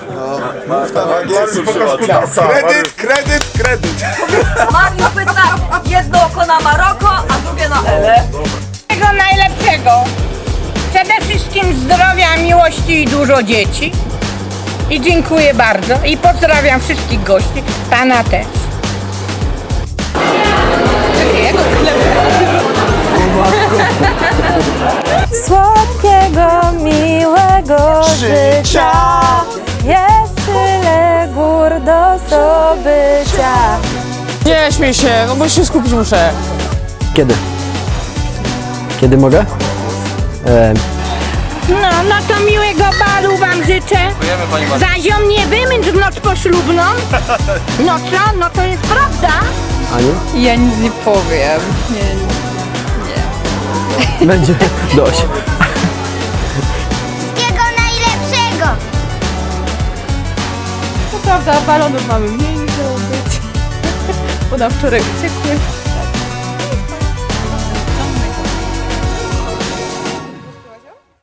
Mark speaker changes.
Speaker 1: Kredyt.
Speaker 2: Mariusz pyta, jedno oko na Maroko, a drugie na Elę.
Speaker 3: Tego najlepszego. Przede wszystkim zdrowia, miłości i dużo dzieci. I dziękuję bardzo. I pozdrawiam wszystkich gości. Pana też.
Speaker 4: Słodkiego, miłego życia. Jest tyle gór do zdobycia.
Speaker 5: Nie śmiej się, no bo się skupić muszę.
Speaker 6: Kiedy? Kiedy mogę?
Speaker 3: No to miłego balu wam życzę. Zaziom nie wymęcz w noc poślubną. No co? No to jest prawda.
Speaker 6: Aniu?
Speaker 4: Ja nic nie powiem.
Speaker 6: Będzie dość.
Speaker 7: Wszystkiego najlepszego!
Speaker 4: To prawda, balonów mamy mniej niż miało być. Bo na wczoraj uciekły.